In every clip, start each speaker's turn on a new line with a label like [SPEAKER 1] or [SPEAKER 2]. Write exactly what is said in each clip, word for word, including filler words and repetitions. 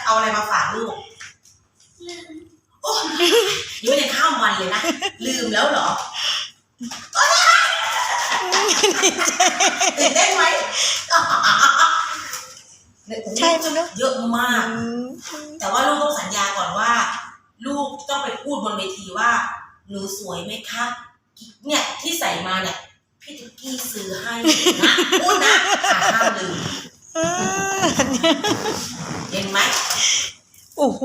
[SPEAKER 1] เอาอะไรมาฝากลูกโอ้ยังไม่ได้ข้ามวันเลยนะลืมแล้วเหรอตื่นเต้นไหม
[SPEAKER 2] ใช่มั้ยเนอะ
[SPEAKER 1] เยอะมากแต่ว่าลูกต้องสัญญาก่อนว่าลูกต้องไปพูดบนเวทีว่าหนูสวยไหมคะเนี่ยที่ใส่มาเนี่ยพี่ตุ๊กกี้ซื้อให้นะพูดนะห้ามลืมเห็นไหม
[SPEAKER 2] โอ้โห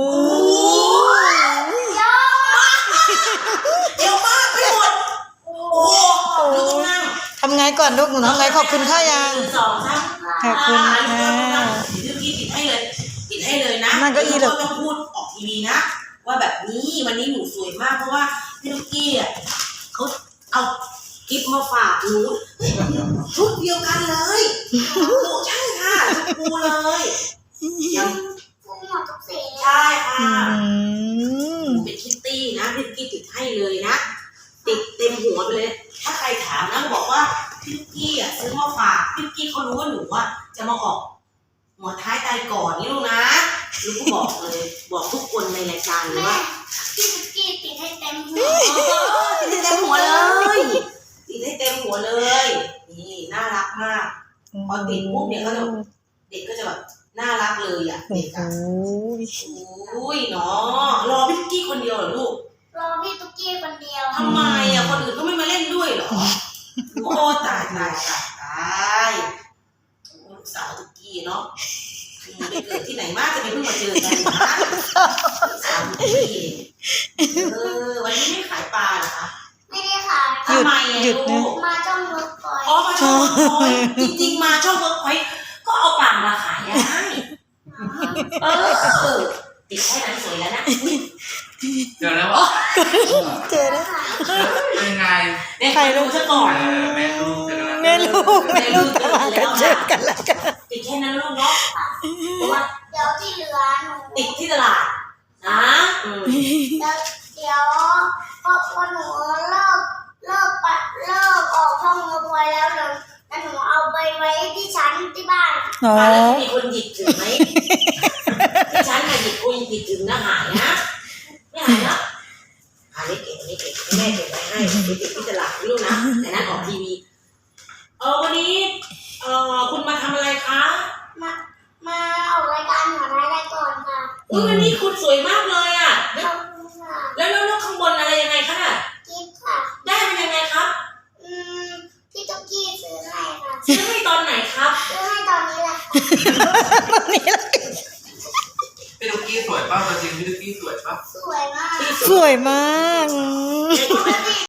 [SPEAKER 1] เยอะมากไปหมดโอ้โหลูกต้องนั่ง
[SPEAKER 2] ทำไงก่อนลูกหนูทำไงขอบคุณข้ายัง
[SPEAKER 1] สองสาม
[SPEAKER 2] ขอบคุณค่ะ
[SPEAKER 1] พี่ตุ๊กกี้ติดให้เลยติดให้เลยนะ
[SPEAKER 2] นั่นก็อีหรอ
[SPEAKER 1] ต้องพูดออกทีวีนะว่าแบบนี้วันนี้หนูสวยมากเพราะว่าพี่ตุ๊กกี้อ่ะเขาเอาคลิปมาฝากหนูชุดเดียวกันเลยโอ้ใช่ค่ะชุดกูเลยยัง
[SPEAKER 3] ฟูหมดทุกสี
[SPEAKER 1] ใช่ค่ะเป็นคิตตี้นะพี่ตุ๊กกี้ติดให้เลยนะติดเต็มหัวไปเลยถ้าใครถามนะบอกว่าพี่ตุ๊กกี้อ่ะซื้อมาฝากพี่ตุ๊กกี้เขารู้ว่าหนูอ่ะจะมาออกหัวท้ายตายก่อนนี่ลูกนะลูกก็บอกเลยบอกทุกคนในรายการเลยว่า
[SPEAKER 3] พี่ตุ๊กกี้ติดให้เต็มหัว
[SPEAKER 1] ติดให้เต็มหัวเลยติดให้เต็มหัวเลยนี่น่ารักมากพอติดปุ๊บเนี่ยก็จะเด็กก็จะแบบน่ารักเลยอ่ะเด็กอ่ะโอ้ยเนาะรอพี่ตุ๊กกี้คนเดียวเหรอลูก
[SPEAKER 3] รอพี่ตุ๊กกี้คนเดียว
[SPEAKER 1] ทำไมอ่ะคนอื่นก็ไม่มาเล่นด้วยเหรอโอ้ตายตายตายตายลูกสาวตุ๊กกี้เนาะไปเกิดที่ไหนมาจะไปเพิ่งมาเจอกันนะสามปีเออวันนี้ไม่ขายปลาเหรอคะ
[SPEAKER 3] ไม่ได้ขาย
[SPEAKER 1] ทำไมอ่ะลูก
[SPEAKER 3] มาช่องเวิร์กพอยต์
[SPEAKER 1] อ๋อมาช่องเวิร์กพอยต์จริงๆมาช่องเวิร์กพอยต์ก็เอาปลามาขายได้เออติดแค่นั้นสวยแล้วนะ
[SPEAKER 4] เจอแล้ววะ
[SPEAKER 2] เจอแล้ว
[SPEAKER 4] เป็นไง
[SPEAKER 1] ใครรู้ซะก่อน
[SPEAKER 4] แม่ลูกเจอกัน
[SPEAKER 2] แม่ลูกแม่ลูกตลาดกันเจอกันแล้วกัน
[SPEAKER 1] ติดแค่นั้นลูกเนาะเพราะว่า
[SPEAKER 3] เดี๋ยวที่เหลือหนู
[SPEAKER 1] ติดที่ตลาดนะ
[SPEAKER 3] เดี๋ยวเดี๋ยวพอพอหนูเลิกเลิกปะเลิกออกช่องเวิร์กพอยต์แล้วเดี๋ยวแล้วหนูเอาไปไว้ที่ชั้นที่บ้าน
[SPEAKER 1] อ๋อแล้วมีคนหยิบถึงไหมที่ชั้นน่ะหยิบคนหยิบถึงนะหายนะไม่หายนะหายไม่เก็บไม่เก็บแม่เก็บไว้ให้ไปติดที่ตลาดลูกนะแต่นั้นออกทีวีเออวันนี้เออคุณมาทำอะไรคะ
[SPEAKER 3] มามาออกรายการหัวท้ายรายก่อนค่ะ
[SPEAKER 1] อุ้ยวันนี้คุณสวยมากเลยอ่ะ
[SPEAKER 3] ขอบคุณค่ะ
[SPEAKER 1] แล้วแล้วข้างบนอะไรยังไงคะน่ะ
[SPEAKER 3] กิ๊บค่ะ
[SPEAKER 1] ได้เป็นยังไงครับ
[SPEAKER 3] อืมพี่ตุ๊กกี้ซื้อให้ค่ะ
[SPEAKER 1] ซื้อให้ตอนไหนครับ
[SPEAKER 3] ซื้อให้ตอนนี้แหละ
[SPEAKER 2] ตอนนี้แหละ
[SPEAKER 4] พี่ตุ๊กกี้สวยป่ะตัวจริงพี่ตุ๊กกี้สวยป่ะ
[SPEAKER 3] สวยมาก
[SPEAKER 2] สวยมาก